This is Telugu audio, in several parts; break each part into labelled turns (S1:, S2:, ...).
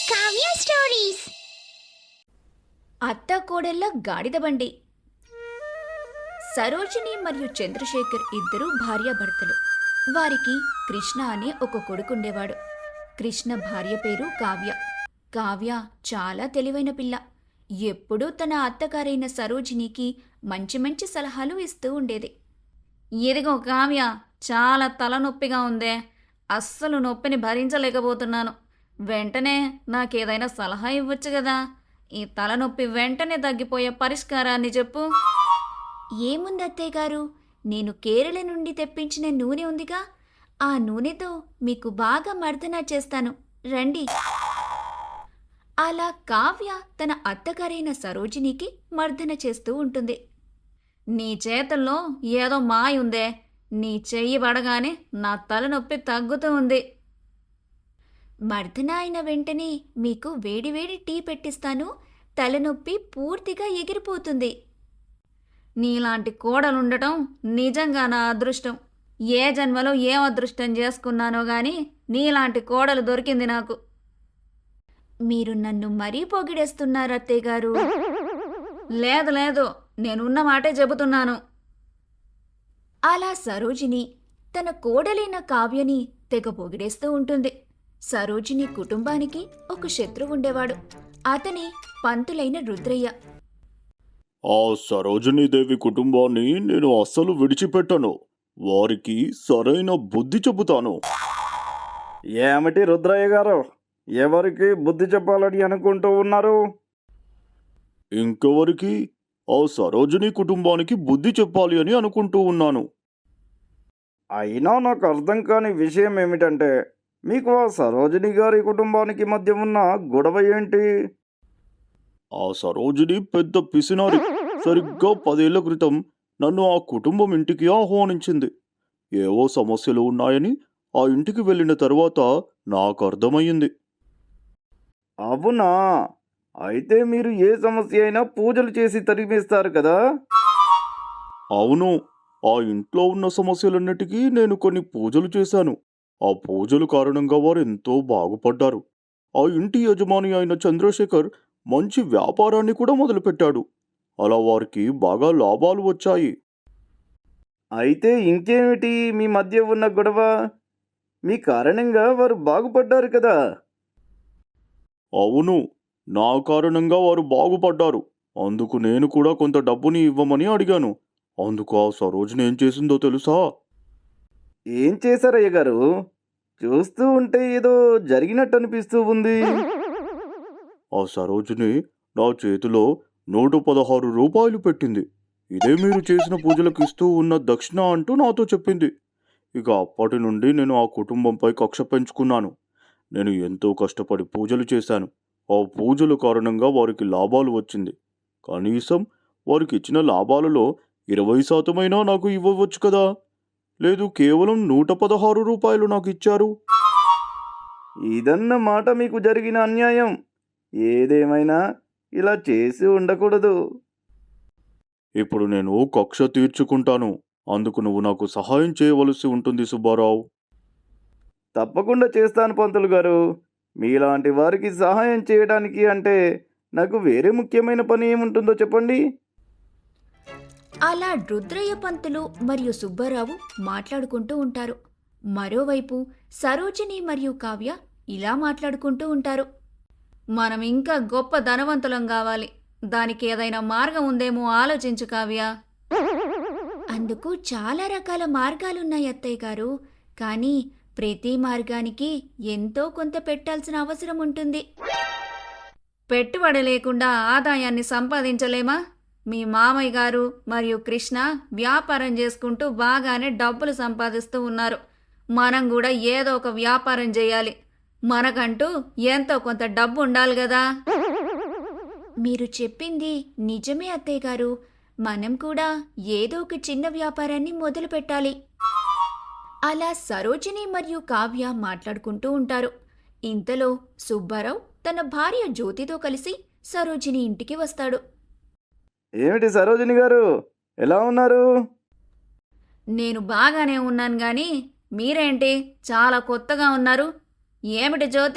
S1: కావ్య స్టోరీస్.
S2: అత్త కోడళ్ళ గాడిద బండి. సరోజిని మరియు చంద్రశేఖర్ ఇద్దరు భార్యాభర్తలు. వారికి కృష్ణ అనే ఒక కొడుకుండేవాడు. కృష్ణ భార్య పేరు కావ్య. కావ్య చాలా తెలివైన పిల్ల. ఎప్పుడూ తన అత్తగారైన సరోజినికి మంచి మంచి సలహాలు ఇస్తూ ఉండేది. ఇదిగో కావ్య, చాలా తలనొప్పిగా ఉందే, అస్సలు నొప్పిని భరించలేకపోతున్నాను. వెంటనే నాకేదైనా సలహా ఇవ్వచ్చు కదా. ఈ తలనొప్పి వెంటనే తగ్గిపోయే పరిష్కారాన్ని చెప్పు. ఏముంది అత్తయ్య గారు, నేను కేరళ నుండి తెప్పించిన నూనె ఉందిగా, ఆ నూనెతో మీకు బాగా మర్దన చేస్తాను, రండి. అలా కావ్య తన అత్తగారైన సరోజినికి మర్దన చేస్తూ ఉంటుంది. నీ చేతుల్లో ఏదో మాయ ఉందే, నీ చెయ్యి పడగానే నా తలనొప్పి తగ్గుతూ ఉంది. మర్దన అయిన వెంటనే మీకు వేడివేడి టీ పెట్టిస్తాను, తలనొప్పి పూర్తిగా ఎగిరిపోతుంది. నీలాంటి కోడలుండటం నిజంగా నా అదృష్టం. ఏ జన్మలో ఏం అదృష్టం చేసుకున్నానో గాని నీలాంటి కోడలు దొరికింది నాకు. మీరు నన్ను మరీ పొగిడేస్తున్నారు అత్తయ్య గారు. లేదు లేదు, నేనున్న మాటే చెబుతున్నాను. అలా సరోజిని తన కోడలైన కావ్యని తెగ పొగిడేస్తూ ఉంటుంది. సరోజిని కుటుంబానికి ఒక శత్రువు ఉండేవాడు. అతని పంతులైన రుద్రయ్య.
S3: ఆ సరోజినీదేవి కుటుంబాన్ని నేను అస్సలు విడిచిపెట్టను. వారికి సరైన బుద్ధి చెబుతాను.
S4: ఏమిటి రుద్రయ్య గారు, ఎవరికి బుద్ధి చెప్పాలని అనుకుంటూ ఉన్నారు?
S3: ఇంకెవరికి? ఆ సరోజిని కుటుంబానికి బుద్ధి చెప్పాలి అని అనుకుంటూ ఉన్నాను.
S4: అయినా నాకు అర్థం కాని విషయం ఏమిటంటే, మీకు ఆ సరోజిని గారి కుటుంబానికి మధ్య ఉన్న గొడవ ఏంటి?
S3: ఆ సరోజిని పెద్ద పిసినారి. సరిగ్గా 10 ఏళ్ల క్రితం నన్ను ఆ కుటుంబం ఇంటికి ఆహ్వానించింది. ఏవో సమస్యలు ఉన్నాయని ఆ ఇంటికి వెళ్ళిన తర్వాత నాకు అర్థమయ్యింది.
S4: అవునా? అయితే మీరు ఏ సమస్య అయినా పూజలు చేసి తరిమేస్తారు కదా?
S3: అవును, ఆ ఇంట్లో ఉన్న సమస్యలన్నిటికీ నేను కొన్ని పూజలు చేశాను. ఆ పూజల కారణంగా వారు ఎంతో బాగుపడ్డారు. ఆ ఇంటి యజమాని అయిన చంద్రశేఖర్ మంచి వ్యాపారాన్ని కూడా మొదలుపెట్టాడు. అలా వారికి బాగా లాభాలు వచ్చాయి.
S4: అయితే ఇంకేమిటి మీ మధ్య ఉన్న గొడవ? మీ కారణంగా వారు బాగుపడ్డారు కదా?
S3: అవును, నా కారణంగా వారు బాగుపడ్డారు. అందుకు నేను కూడా కొంత డబ్బుని ఇవ్వమని అడిగాను. అందుకు ఆ సరోజిని ఏం చేసిందో తెలుసా?
S4: ఏం చేశారయ్య గారు? చూస్తూ ఉంటే ఏదో జరిగినట్టు అనిపిస్తూ ఉంది.
S3: ఆ సరోజిని నా చేతిలో 116 రూపాయలు పెట్టింది. ఇదే మీరు చేసిన పూజలకు ఇస్తూ ఉన్న దక్షిణ అంటూ నాతో చెప్పింది. ఇక అప్పటి నుండి నేను ఆ కుటుంబంపై కక్ష పెంచుకున్నాను. నేను ఎంతో కష్టపడి పూజలు చేశాను. ఆ పూజల కారణంగా వారికి లాభాలు వచ్చింది. కనీసం వారికి ఇచ్చిన లాభాలలో 20% నాకు ఇవ్వవచ్చు కదా. లేదు, కేవలం 116 రూపాయలు నాకు ఇచ్చారు.
S4: ఇదన్నమాట మీకు జరిగిన అన్యాయం. ఏదేమైనా ఇలా చేసి ఉండకూడదు.
S3: ఇప్పుడు నేను కక్ష తీర్చుకుంటాను. అందుకు నువ్వు నాకు సహాయం చేయవలసి ఉంటుంది సుబ్బారావు.
S4: తప్పకుండా చేస్తాను పంతులు గారు. మీలాంటి వారికి సహాయం చేయడానికి అంటే నాకు వేరే ముఖ్యమైన పని ఏముంటుందో చెప్పండి.
S2: అలా రుద్రయ్య పంతులు మరియు సుబ్బారావు మాట్లాడుకుంటూ ఉంటారు. మరోవైపు సరోజిని మరియు కావ్య ఇలా మాట్లాడుకుంటూ ఉంటారు. మనం ఇంకా గొప్ప ధనవంతులం కావాలి. దానికి ఏదైనా మార్గం ఉందేమో ఆలోచించు కావ్య. అందుకు చాలా రకాల మార్గాలున్నాయి అత్తయ్య గారు. కానీ ప్రతి మార్గానికి ఎంతో కొంత పెట్టాల్సిన అవసరం ఉంటుంది. పెట్టుబడి లేకుండా ఆదాయాన్ని సంపాదించలేమా? మీ మామయ్య గారు మరియు కృష్ణ వ్యాపారం చేసుకుంటూ బాగానే డబ్బులు సంపాదిస్తూ ఉన్నారు. మనం కూడా ఏదో ఒక వ్యాపారం చేయాలి. మనకంటూ ఎంతో కొంత డబ్బు ఉండాలి కదా. మీరు చెప్పింది నిజమే అత్తయ్య గారు. మనం కూడా ఏదో ఒక చిన్న వ్యాపారాన్ని మొదలు పెట్టాలి. అలా సరోజిని మరియు కావ్య మాట్లాడుకుంటూ ఉంటారు. ఇంతలో సుబ్బారావు తన భార్య జ్యోతితో కలిసి సరోజిని ఇంటికి వస్తాడు.
S4: ఏమిటి సరోజిని గారు, ఎలా ఉన్నారు?
S2: నేను బాగానే ఉన్నాను గాని మీరేంటి చాలా కొత్తగా ఉన్నారు? ఏమిటి జ్యోతి,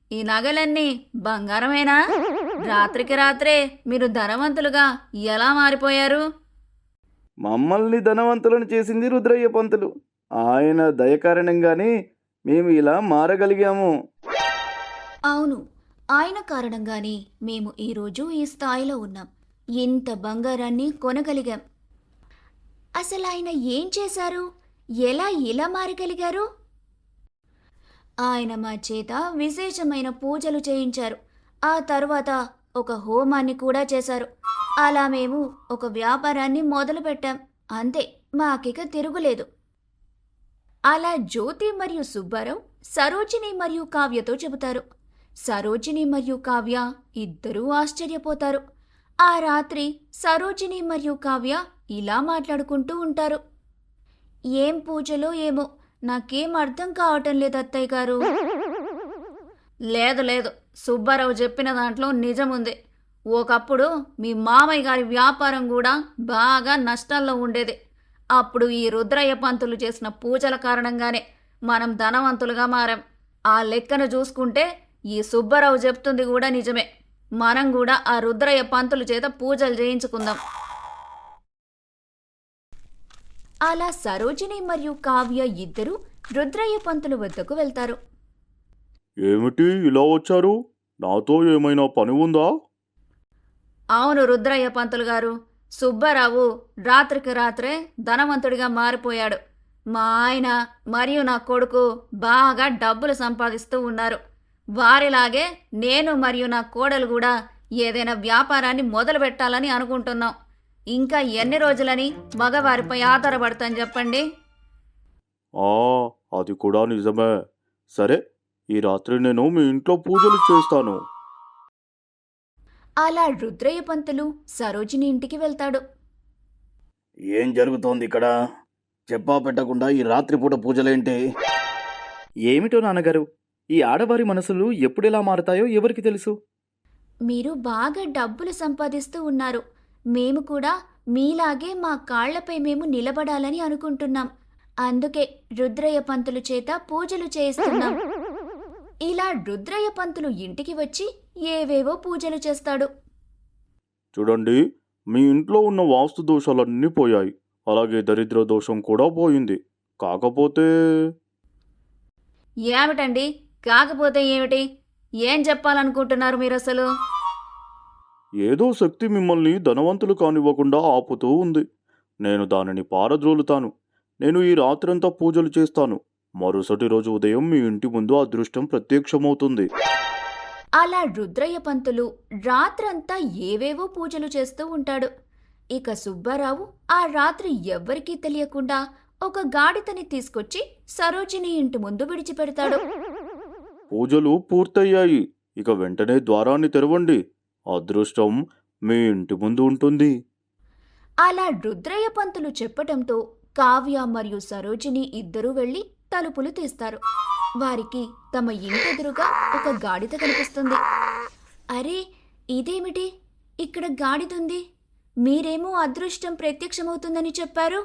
S2: ఈ నగలన్నీ బంగారమేనా? రాత్రికి రాత్రే మీరు ధనవంతులుగా ఎలా మారిపోయారు?
S4: మమ్మల్ని ధనవంతులను చేసింది రుద్రయ్య పంతులు. ఆయన దయ కారణంగానే మేము ఇలా మారగలిగాము.
S2: అవును, ఆయన కారణంగానే మేము ఈరోజు ఈ స్థాయిలో ఉన్నాం. ఇంత బంగారాన్ని కొనగలిగాం. అసలు ఆయన ఏం చేశారు? ఎలా ఇలా మారగలిగారు? ఆయన మా చేత విశేషమైన పూజలు చేయించారు. ఆ తర్వాత ఒక హోమాన్ని కూడా చేశారు. అలా మేము ఒక వ్యాపారాన్ని మొదలుపెట్టాం. అంతే, మాకిక తిరుగులేదు. అలా జ్యోతి మరియు సుబ్బారావు సరోజిని మరియు కావ్యతో చెబుతారు. సరోజిని మరియు కావ్య ఇద్దరూ ఆశ్చర్యపోతారు. ఆ రాత్రి సరోజిని మరియు కావ్య ఇలా మాట్లాడుకుంటూ ఉంటారు. ఏం పూజలో ఏమో, నాకేం అర్థం కావటం లేదు అత్తయ్య గారు. లేదు లేదు, సుబ్బారావు చెప్పిన దాంట్లో నిజముంది. ఒకప్పుడు మీ మామయ్య గారి వ్యాపారం కూడా బాగా నష్టాల్లో ఉండేది. అప్పుడు ఈ రుద్రయ్య పంతులు చేసిన పూజల కారణంగానే మనం ధనవంతులుగా మారాం. ఆ లెక్కను చూసుకుంటే ఈ సుబ్బారావు చెప్తుంది కూడా నిజమే. మనం కూడా ఆ రుద్రయ్య పంతులు చేత పూజలు చేయించుకుందాం. అలా సరోజిని మరియు కావ్య ఇద్దరూ రుద్రయ్య పంతులు వద్దకు వెళ్తారు.
S3: ఏమిటి ఇలా వచ్చారు? నాతో ఏమైనా పని ఉందా?
S2: అవును రుద్రయ్య పంతులు గారు, సుబ్బారావు రాత్రికి రాత్రే ధనవంతుడిగా మారిపోయాడు. మా ఆయన మరియు నా కొడుకు బాగా డబ్బులు సంపాదిస్తూ ఉన్నారు. వారిలాగే నేను మరియు నా కోడలు కూడా ఏదైనా వ్యాపారాన్ని మొదలు పెట్టాలని అనుకుంటున్నాం. ఇంకా ఎన్ని రోజులని మగవారిపై ఆధారపడతాం చెప్పండి?
S3: ఆ, అది కూడా నిజమే. సరే, ఈ రాత్రి నేను మీ ఇంట్లో పూజలు చేస్తాను.
S2: అలా రుద్రయ్య పంతులు సరోజిని ఇంటికి వెళ్తాడు.
S4: ఏం జరుగుతోంది ఇక్కడ? చెప్పా పెట్టకుండా ఈ రాత్రిపూట పూజలేంటి?
S1: ఏమిటో నాన్నగారు, ఈ ఆడవారి మనసులు ఎప్పుడెలా మారతాయో ఎవరికి తెలుసు?
S2: మీరు బాగా డబ్బులు సంపాదిస్తూ ఉన్నారు. మేము కూడా మీలాగే మా కాళ్లపై మేము నిలబడాలని అనుకుంటున్నాం. అందుకే రుద్రయ్య పంతులు చేత పూజలు చేయిస్తున్నాం. ఇలా రుద్రయ్య పంతులు ఇంటికి వచ్చి ఏవేవో పూజలు చేస్తాడు.
S3: చూడండి, మీ ఇంట్లో ఉన్న వాస్తు దోషాలన్నీ పోయాయి. అలాగే దరిద్ర దోషం కూడా పోయింది. కాకపోతే
S2: ఏమిటండి? కాకపోతే ఏమిటి? ఏం చెప్పాలనుకుంటున్నారు మీరు అసలు?
S3: ఏదో శక్తి మిమ్మల్ని ధనవంతులు కానివ్వకుండా ఆపుతూ ఉంది. నేను దానిని పారద్రోలుతాను. నేను ఈ రాత్రంతా పూజలు చేస్తాను. మరుసటి రోజు ఉదయం మీ ఇంటి ముందు అదృష్టం ప్రత్యక్షమవుతుంది.
S2: అలా రుద్రయ్య పంతులు రాత్రంతా ఏవేవో పూజలు చేస్తూ ఉంటాడు. ఇక సుబ్బారావు ఆ రాత్రి ఎవ్వరికీ తెలియకుండా ఒక గాడిదని తీసుకొచ్చి సరోజిని ఇంటి ముందు విడిచిపెడతాడు.
S3: పూజలు పూర్తయ్యాయి. ఇక వెంటనే ద్వారాన్ని తెరవండి. అదృష్టం మీ ఇంటి ముందు ఉంటుంది.
S2: అలా రుద్రయ్య పంతులు చెప్పటంతో కావ్య మరియు సరోజిని ఇద్దరూ వెళ్లి తలుపులు తీస్తారు. వారికి తమ ఇంటెదురుగా ఒక గాడిద కనిపిస్తుంది. అరే, ఇదేమిటి? ఇక్కడ గాడిదుంది. మీరేమో అదృష్టం ప్రత్యక్షమవుతుందని చెప్పారు.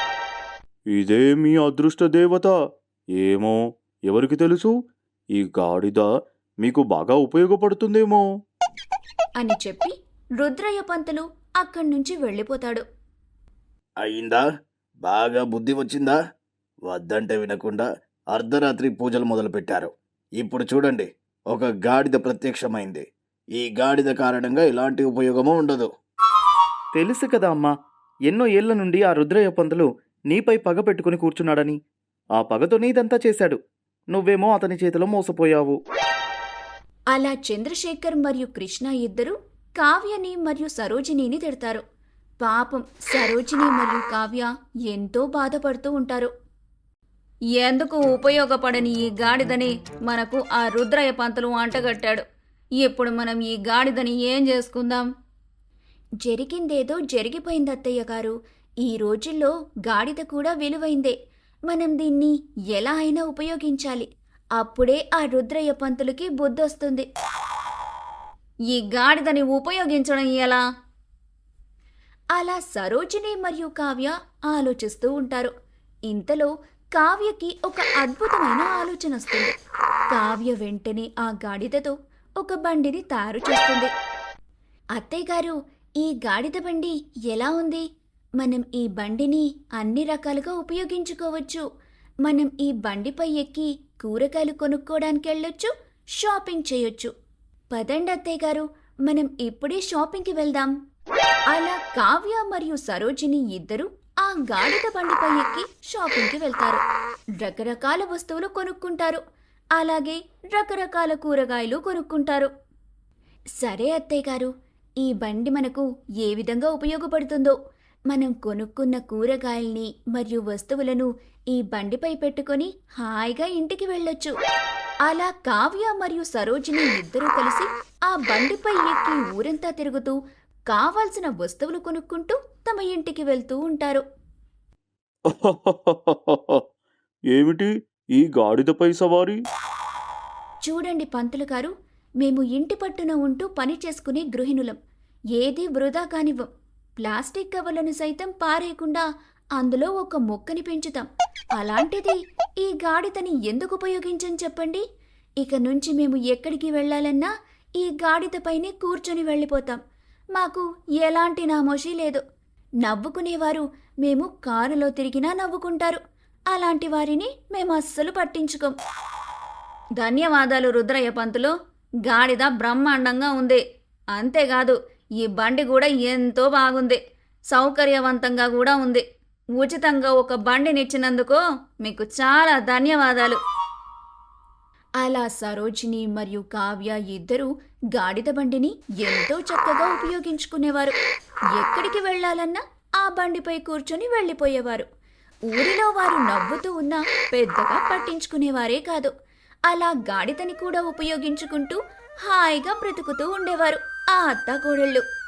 S3: ఇదే మీ అదృష్ట దేవత. ఏమో, ఎవరికి తెలుసు? ఈ గాడిద మీకు బాగా ఉపయోగపడుతుందేమో
S2: అని చెప్పి రుద్రయ్య పంతులు అక్కడి నుంచి వెళ్ళిపోతాడు.
S4: అయిందా? బాగా బుద్ధి వచ్చిందా? వద్దంటే వినకుండా అర్ధరాత్రి పూజలు మొదలుపెట్టారు. ఇప్పుడు చూడండి, ఒక గాడిద ప్రత్యక్షమైంది. ఈ గాడిద కారణంగా ఎలాంటి ఉపయోగమూ ఉండదు.
S1: తెలుసు కదా అమ్మా, ఎన్నో ఏళ్ల నుండి ఆ రుద్రయ్య పంతులు నీపై పగ పెట్టుకుని కూర్చున్నాడని. ఆ పగతోనే ఇదంతా చేశాడు. నువ్వేమో అతని చేతిలో మోసపోయావు.
S2: అలా చంద్రశేఖర్ మరియు కృష్ణ ఇద్దరు కావ్యని మరియు సరోజినిని తిడతారు. పాపం సరోజిని మరియు కావ్య ఎంతో బాధపడుతూ ఉంటారు. ఎందుకు ఉపయోగపడని ఈ గాడిదని మనకు ఆ రుద్రయ్య పంతులు అంటగట్టాడు. ఇప్పుడు మనం ఈ గాడిదని ఏం చేసుకుందాం? జరిగిందేదో జరిగిపోయింది అత్తయ్య గారు. ఈ రోజుల్లో గాడిద కూడా విలువైందే. మనం దీన్ని ఎలా అయినా ఉపయోగించాలి. అప్పుడే ఆ రుద్రయ్య పంతులకి బుద్ధొస్తుంది. ఈ గాడిదని ఉపయోగించడం ఎలా? అలా సరోజిని మరియు కావ్య ఆలోచిస్తూ ఉంటారు. ఇంతలో కావ్యకి ఒక అద్భుతమైన ఆలోచన వస్తుంది. కావ్య వెంటనే ఆ గాడిదతో ఒక బండిని తయారు చేస్తుంది. అత్తయ్యగారు, ఈ గాడిద బండి ఎలా ఉంది? మనం ఈ బండిని అన్ని రకాలుగా ఉపయోగించుకోవచ్చు. మనం ఈ బండిపై ఎక్కి కూరగాయలు కొనుక్కోవడానికి వెళ్ళొచ్చు, షాపింగ్ చేయొచ్చు. పదండి అత్తయ్యగారు, మనం ఇప్పుడే షాపింగ్కి వెళ్దాం. అలా కావ్య మరియు సరోజిని ఇద్దరు ఆ గాడిద బండిపై ఎక్కి షాపింగ్కి వెళ్తారు. రకరకాల వస్తువులు కొనుక్కుంటారు. అలాగే రకరకాల కూరగాయలు కొనుక్కుంటారు. సరే అత్తయ్యగారు, ఈ బండి మనకు ఏ విధంగా ఉపయోగపడుతుందో. మనం కొనుక్కున్న కూరగాయల్ని మరియు వస్తువులను ఈ బండిపై పెట్టుకొని హాయిగా ఇంటికి వెళ్ళొచ్చు. అలా కావ్య మరియు సరోజిని ఇద్దరూ కలిసి ఆ బండిపై ఎక్కి ఊరంతా తిరుగుతూ కావాల్సిన వస్తువులు కొనుక్కుంటూ తమ ఇంటికి వెళ్తూ ఉంటారు.
S3: ఏమిటి ఈ గాడిదపై సవారీ?
S2: చూడండి పంతులు గారు, మేము ఇంటి పట్టున ఉంటూ పని చేసుకునే గృహిణులం. ఏదీ వృధా కానివ్వం. ప్లాస్టిక్ కవర్లను సైతం పారేయకుండా అందులో ఒక మొక్కని పెంచుతాం. అలాంటిది ఈ గాడిదని ఎందుకు ఉపయోగించని చెప్పండి? ఇక నుంచి మేము ఎక్కడికి వెళ్ళాలన్నా ఈ గాడిదపైనే కూర్చొని వెళ్ళిపోతాం. మాకు ఎలాంటి నామోషీ లేదు. నవ్వుకునేవారు మేము కారులో తిరిగినా నవ్వుకుంటారు. అలాంటి వారిని మేము అస్సలు పట్టించుకోం. ధన్యవాదాలు రుద్రయ్య పంతులు. గాడిద బ్రహ్మాండంగా ఉంది. అంతేకాదు, ఈ బండి కూడా ఎంతో బాగుంది. సౌకర్యవంతంగా కూడా ఉంది. ఉచితంగా ఒక బండినిచ్చినందుకు మీకు చాలా ధన్యవాదాలు. అలా సరోజిని మరియు కావ్య ఇద్దరూ గాడిద బండిని ఎంతో చక్కగా ఉపయోగించుకునేవారు. ఎక్కడికి వెళ్ళాలన్నా ఆ బండిపై కూర్చొని వెళ్ళిపోయేవారు. ఊరిలో వారు నవ్వుతూ ఉన్నా పెద్దగా పట్టించుకునేవారే కాదు. అలా గాడిదని కూడా ఉపయోగించుకుంటూ హాయిగా బ్రతుకుతూ ఉండేవారు ఆ అత్తాకోడళ్ళు.